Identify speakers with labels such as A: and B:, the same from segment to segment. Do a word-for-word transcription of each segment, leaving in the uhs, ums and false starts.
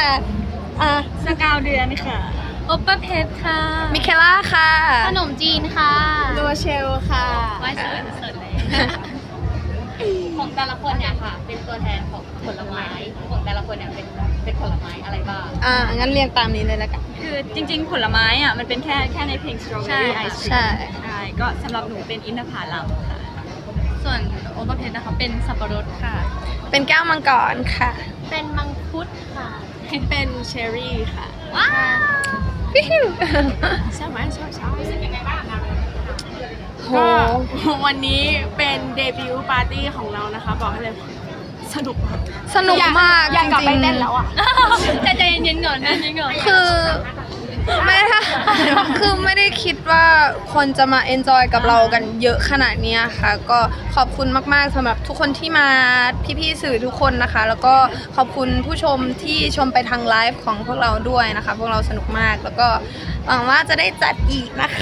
A: อ่ะ
B: สกาวเดือนค่ะโอปเปอร์เพชรค่ะ
A: มิเคล่าค่ะ
C: ขนมจีนค่ะ
A: โรเชลค่ะ
C: ไว้เสิร์ฟเสิร์ฟเลยของแต่ละคนเนี่ยค่ะ เป็นตัวแทนของผลไม้ของแต่ละคนเนี่ยเป็นเป็นผลไม้อะไรบ้าง
A: อ่างั้นเรียงตามนี้เลยละกัน
B: คือจริงๆผลไม้อ่ะมันเป็นแค่แค่ในเพลง Strawberry Ice Cream
A: ใช่
B: ใช่ก็สำหรับหนูเป็นอินทผลัมค่ะ
C: ส่วนโอเปอร์เพชรนะคะเป็นสับปะรดค่ะ
A: เป็นแก้วมังกรค่ะ
C: เป็นมังคุดค่ะ
A: เป็นเชอร์รี่ค่ะ
C: ว้าว
A: วิว
D: ใช่ไหมใช่ใช่
C: รู้สึกยังไงบ้างคะ
A: โห
D: ก็วันนี้เป็นเดบิวต์ปาร์ตี้ของเรานะคะ บอกให้เลยสนุกมาก
A: สนุกมาก
D: อยากกลับ
A: จ
D: ไป
A: ริง
D: เต้นแล้วอ่ะ
C: ใจใจเย็นๆก่อนใจเย็นๆก่อน
A: ๆคือไม่ได้ คือไม่ได้คิดว่าคนจะมาเอนจอยกับเรากันเยอะขนาดนี้ค่ะ ก็ขอบคุณมากๆสำหรับทุกคนที่มาพี่ๆสื่อทุกคนนะคะ แล้วก็ขอบคุณผู้ชมที่ชมไปทางไลฟ์ของพวกเราด้วยนะคะ พวกเราสนุกมากแล้วก็หวังว่าจะได้จัดอีกนะคะ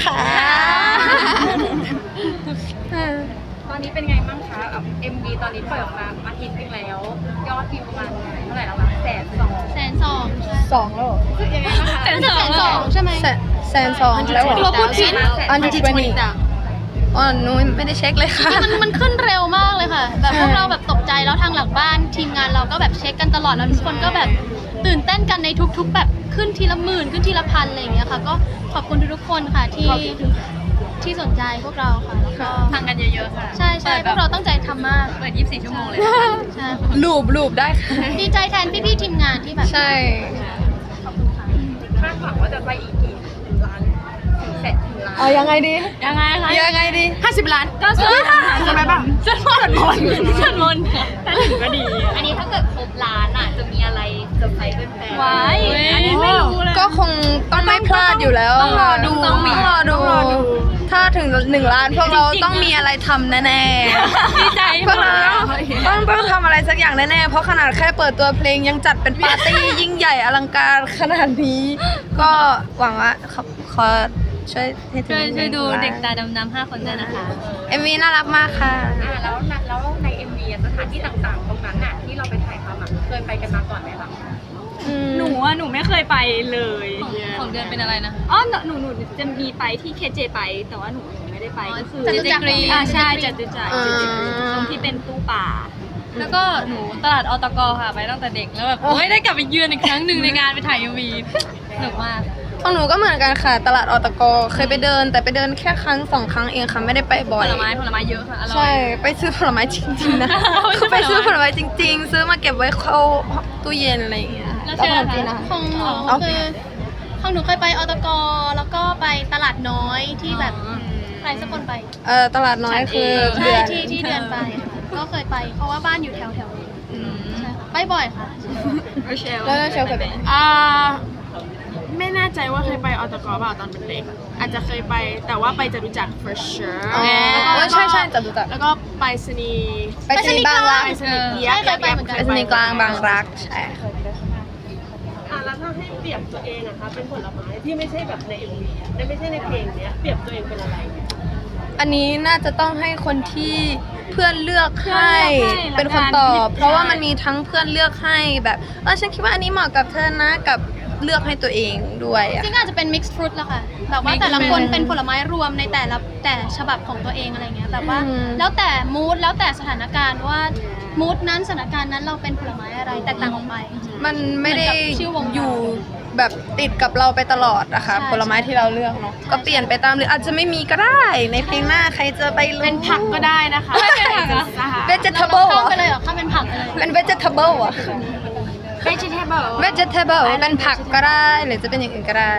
C: ตอนนี้เป็นไงบ้างคะแบบ เอ็ม วี ตอนนี้ปล่อยออกมาอาทิตย์นึงแล้ว ยอดวิวประมาณเท่าไหร่แล้วคะแสนสองแสนสอง
A: สองแล้วเหรอ
C: คือยังไงบ้างคะแสนสองใช่ไหม
A: แสนแสนสองแล้วเหรอ
C: เราพูดผิด
A: อันที่ยี่สิบอ๋อหนูไม่ได้เช็คเลยค่ะ
C: มันมันขึ้นเร็วมากเลยค่ะ แบบพวกเราแบบตกใจแล้วทางหลังบ้านทีมงานเราก็แบบเช็คกันตลอดแล้วทุกคนก็แบบตื่นเต้นกันในทุกๆ แบบขึ้นทีละหมื่นขึ้นทีละพันอะไรอย่างเงี้ยค่ะ ก็ขอบคุณทุกๆคนค่ะที่ที่สนใจพวกเราค่ะแล้วก็
B: ฟังกันเยอะๆค่ะ
C: ใช่ใช่พวกเราตั้งใจทำมาก
B: เปิดยี่สิบสี่ชั่วโมงเลย
C: ใช่
A: ลูบลูบได้ค่ะ
C: ดีใจแทนพี่ๆทีมงานที่แบบ
A: ใช่
C: คาดหวังว่าจะไปอีกกี่ล้านถึงแสนถึงล้าน
A: เอายังไงดี
B: ยังไงคะ
A: ยังไงดี
D: ห้าสิบล้าน
B: ก็สวด
D: จะไปบ้าง
B: สวดมนต์สวดมนต์ค่ะถ้าถึงก็ดี
C: อันนี้ถ้าเกิดครบล้านอ่ะจะมีอะไรเซอร์ไพรส์เป็นแฟน
B: ไว้อันนี้ไม่รู้เลย
A: ก็คงต้องไม่พลาดอยู่แล้ว
D: ต้องรอดู
A: ต้องรอดู
D: ต้องรอดู
A: ถ้าถึงหนึ่งล้านพวกเราต้องมีอะไรทำแน่
B: ดีใจ
A: ๆพวกเราต้องต้องทำอะไรสักอย่างแน่ๆ เพราะขนาดแค่เปิดตัวเพลงยังจัดเป็นปาร์ตี้ยิ่งใหญ่อลังการขนาดนี้ ก็หวังว่าขอขอช่วยให้ถึง
B: ช่วยช่วยดู
A: หนึ่งล้าน
B: เด็กตาดำๆห้าคนด้วยนะคะ
A: เอ็มวีน่ารักมากค่ะ
C: อ่าแล้วนะแล้วใน เอ็ม วี อะสถานที่ต่างๆ ตรงนั้นน่ะที่เราไปถ่ายทำอ่ะเคยไปกันมาก่อนไหมคะ
B: หนูอ่ะหนูไม่เคยไปเลย
C: ของเดือนเป็นอะไรนะ
B: อ๋อหนูหนูหนูจะมีไปที่เคเจไป แต่ว่าหนูหนูไม่ได้ไปก็คือ
C: จตุจักร
B: อ่าใช่จตุจักร
A: อ่า
B: จตุจักรตรงที่เป็นตู้ป่า
E: แล้วก็หนูตลาดอตกค่ะไปตั้งแต่เด็กแล้วแบบโอ้ยได้กลับไปเยือนอีกครั้งหนึ่งในงานไปถ่ายยูวีสนุกมาก
A: ของหนูก็เหมือนกันค่ะ ตลาดอตกเคยไปเดิน แต่ไปเดินแค่ครั้งสองครั้งเองค่ะไม่ได้ไปบ่
E: ผ
A: อย
E: ลไม้ผลไม้เยอะค่ะอร่อ
A: ใช่
E: ย
A: ไปซื้อผลไม้จริงๆนะ
E: ไม่ใช่
A: คือไปซื้อ
E: ผ
A: ผ
E: ล
A: ล
E: ไม้
A: ไม้จริง ๆ ซื้อมาเก็บไว้เข้าตู้เย็นอะไรอย่างเงี้ย
E: แล้วเชื่อ
A: ขนมจีน
E: ค่ะ
A: นะคะ
C: ของหนู
A: เอา
C: คือของหนูเคยไปอตกแล้วก็ไปตลาดน้อยที่แบบใครสักคนไป
A: เออตลาดน้อยคือ
C: ใช่
A: เดือน
C: ที่ที่เดือนไปค่ะก็เคยไปเพราะว่าบ้านอยู่แถวแถวๆนี้ใช่ค่ะไปบ่อยค่ะ
A: แล้วเชลเคยไปไหม
D: อ่าไม่แน่ใจว่าเคยไปอตกเปล่าตอนเป็นเด็ก อาจจะเคยไปแต่ว่าไปจะรู้จัก for sure
A: อ๋อ
D: แล้วก็
A: เออใช่ใช่จตุจักร
D: แล้วก็ไปสนีย์
A: ไปสนีย์บางรัก
D: ไปสนีย์
C: ใช่เคยไปเหมือนกัน
A: ไปสนีย์กลางบางรักใช่ค่ะ
F: อ่ะแล้วถ้าให้เปรียบตัวเองอะคะเป็นผลไม้ที่ไม่ใช่แบบใน เอ็ม วี อะไม่ใช่ในเพลงเนี้ยเปรียบตัวเองเป็นอะไร
A: อันนี้น่าจะต้องให้คนที่เพื่อนเลือกให้
B: เพื่อนเลือกให้
A: เป็นคนตอบ
B: แล้วกัน
A: เพราะว่ามันมีทั้งเพื่อนเลือกให้แบบเออฉันคิดว่าอันนี้เหมาะกับเธอนะกับเลือกให้ตัวเองด้วยอะ
C: จริงๆอาจจะเป็น mixed fruit ละค่ะแบบว่าแต่ละคนเป็นผลไม้รวมในแต่ละแต่ฉบับของตัวเองอะไรเงี้ยแบบว่า
A: อืม
C: แล้วแต่ mood แล้วแต่สถานการณ์ว่า mood นั้นสถานการณ์นั้นเราเป็นผลไม้อะไรแตกต่างออกไป
A: มันไม่ได้
C: เหมือนกับชื่อวง
A: อยู่แบบติดกับเราไปตลอดอะค่ะ
C: ใช่
A: ผลไม้ที่เราเลือกเนาะก็เปลี่ยนไปตามหรืออาจจะไม่มีก็ได้ ในเพลงหน้าใครจะไปรู้
D: เป็นผักก็ได้นะคะ
E: ไม่เป็นผักเหรอ
D: นะคะ
A: vegetable
C: เรา
A: อะ
C: เข้าไปเลยเหรอเข้าเป็นผักไปเลย
A: เป็น vegetable อะ
D: vegetable
A: vegetable เป็นผักก็ได้หรือจะเป็นอย่างอื่นก็ได้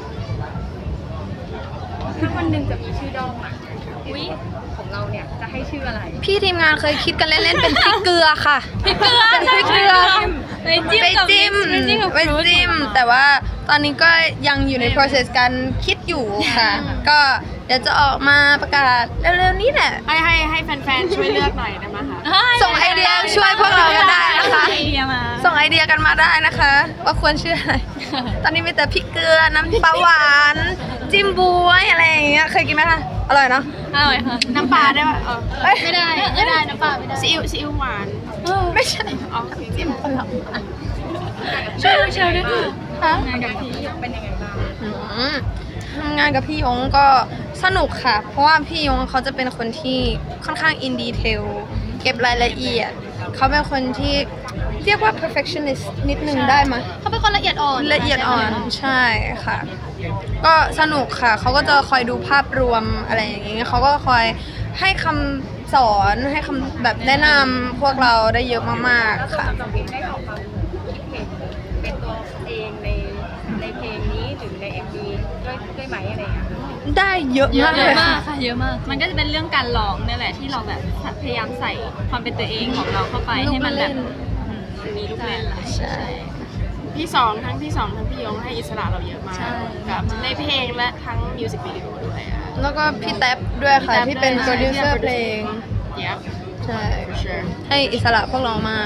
C: ถ้าวันหนึ่งจะมีชื่อดอมอ่ะอุ๊ยของเราเนี่ยจะให้ชื่ออะไร
A: พี่ทีมงานเคยคิดกันเล่นๆเป็นพริกเกลือค่ะพริกเกลือพริกเกลือ
E: ไปจิ้ม
A: ไป
E: กับ
A: จิ้ม
E: ไปจิ้มกับ
A: ไปจิ้มแต่ว่าตอนนี้ก็ยังอยู่ใน process การคิดอยู่ค่ะ ก็เดี๋ยวจะออกมาประกาศเร็วๆนี้แหละ
D: ให้ให้ให้แฟนๆช่วยเลือกหน่อยได้ไหมคะ
A: ส่งไอเดียช่วยพวกเรากันได้นะคะ
B: ไอเดียมา
A: ส่งไอเดียกันมาได้นะคะ ว่าควรชื่ออะไร ตอนนี้มีแต่พริกเกลือน้ำปลาหวานจิ้มบวยอะไรอย่างเงี้ยเคยกินไหมคะอร่อยเนาะ
E: อร่อยค่ะ
D: น้ำปลาได้ป่ะเออ
A: เอ้ย
C: ไม่ได้ไม่ได้น้ำเปล่าไม่ได้
D: ซีอิ๊วซีอิ๊วหวาน
A: ไม่ใช่
D: เอา
A: จิ้มปลาหวาน
E: ช่วยเชิญด้วย
A: คะ
B: งานกับพี่เป็นยังไงบ้าง
A: อืมทำงานกับพี่ยงก็สนุกค่ะ เพราะว่าพี่ยงเขาจะเป็นคนที่ค่อนข้างอินดีเทลเก็บรายละเอียด เขาเป็นคนที่เรียกว่า perfectionist นิดนึงได้ไหมย
C: เขาเป็นคนละเอียดอ่อน
A: ละเอียดอ่อนใช่ค่ะ ก็สนุกค่ะ เขาก็จะคอยดูภาพรวมอะไรอย่างเงี้ยเขาก็คอยให้คำสอนให้คำแบบแนะนำพวกเราได้เยอะมากๆค่ะ
B: สำหรับเพลงได้ออกความคิดเห็นเป็นตัวเองในในเพลงนี้หรือใน เอ็ม วี ด้วยด้วยไหมอะไรอย่างเงี้ย
A: ได้เยอะ
E: เย
A: มา
E: อะ
A: กเลย
E: มา
A: ค่ะ
E: กค่ะเยอะมาก
B: มันก็จะเป็นเรื่องการร้องนี่แหละที่เราแบบพยายามใส่ความเป็นตัวเองของเราเข้าไป
A: ลูก
B: ให้มันแบบ
A: เล่น
B: อืมมีลูกเล่นหลาย
A: ใช่
D: พี่สองทั้งพี่สองทั้งพี่ยงให้อิสระเราเยอะมาก
E: ใช่
D: กับในเพลงและทั้งมิวสิกวิดีโอด้วยอะ
A: แล้วก็พี่แท็บด้วยค่ะ
D: พี่
A: ที่
D: แท็บ
A: เป็น
D: ด้วย
A: โปรดิวเซอร์
D: ใช่
A: เพลง
D: Yep
A: ใช่
D: sure
A: ให้อิสระพวกเรามาก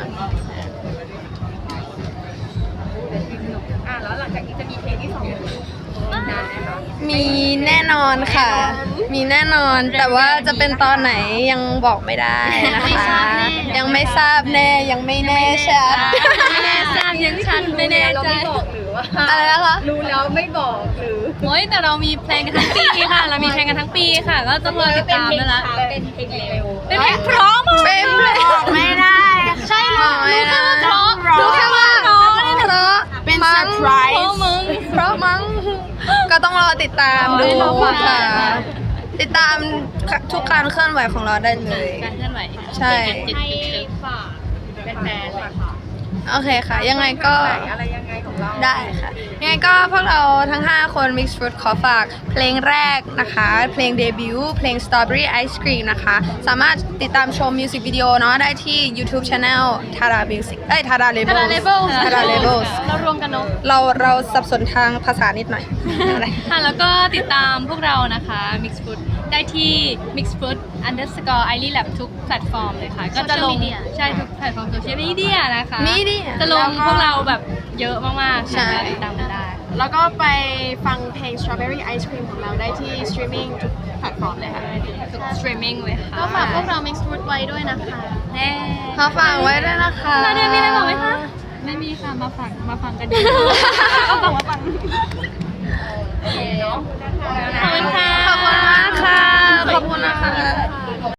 B: อ่ะแล้วหลังจากนี้จะมีเพลงที่สองนานไหมคะ
A: มีแน่นอนค่ะ มีแน่นอน แต่ว่าจะเป็นตอนไหนยังบอกไม่ได้นะคะ ยังไม่ทราบแน่ ยังไม่แน่ชัด
E: ไม่แน่ใจยังชันไม่แน่
B: เรา
E: ใจ
B: ไม่บอกหรือว่า
A: อะไรนะคะ
B: รู้แล้วไม่บอกหรือ
E: โอ้ยแต่เรามีเพลงกันทั้งปีค่ะ เรามีเพลงกันทั้งปีค่ะ ก็ต้องรอติดตามแล้วละ
B: เป็นเพลงเร็ว
E: เป็นเพลงเพร้อมมาก
A: เป็นเพลง
D: ไม่ได้
C: ใช่รู้รู้แค่ว่าเพราะ
A: รู้แค่ว่าเพราะเพราะ
D: เป็น
A: มั้
D: เซอง ร์ไพร
E: โอ้
D: ส์
E: มึง
A: เพราะมั้ง ก็ต้องรอติดตามดู
E: รอฟัง
A: ค่ะ ติดตามทุกการเคลื่อนไหวของเราได้เลย
E: การเคลื่อนไหว
A: ใช่
B: ให้ฝากแฟนๆเลยค่ะ
A: โอเคค่ะ ยังไงก็
B: ไหนอะไรยังไงของเรา
A: ได้ค่ะ ยังไงก็พวกเราทั้ง ห้า คน Mixed Fruit ขอฝากเพลงแรกนะคะ เพลงเดบิวต์เพลง Strawberry Ice Cream นะคะ สามารถติดตามชมมิวสิกวิดีโอเนาะได้ที่ YouTube Channel Tada Music เอ้ย Tada
C: กระดา
A: Labels
C: เลเวล
A: Tada Labels
C: เรารวมกันเนาะ
A: เราเราสับสนทางภาษานิดหน่อยอะไร
E: ค่ะแล้วก็ติดตามพวกเรานะคะ Mix Food ได้ที่ Mix Food underscore i l y lab ทุกแพลตฟอร์มเลยค่ะ ก็จะลง
C: Social media
E: ใช่ทุกแพลตฟอร์มโซเชียลมีเดียนะคะ
A: Media
E: จะลงพวกเราแบบเยอะมากๆ
A: ใช่
E: ค่ะติดตามกันได้
D: แล้วก็ไปฟังเพลง Strawberry Ice Cream ของเราได้ที่ streaming ทุกแพลตฟอร์มเลยค่ะ
E: ทุก streaming เลยค่ะ
C: ก็ฝากพวกเรา Mixed Fruit ไว้ด้วยนะคะ
E: แน่
A: ขอฝากไว้ด้วยนะคะ
E: นาเดียมีอะไรบอกไหมคะ ไม่มีค่ะ มาฟังมาฟังกันดีก็ฟังมาฟัง
B: โอเคเนาะ
E: ขอบคุณค่ะ
A: ขอบคุณมากค่ะ ขอบคุณนะคะ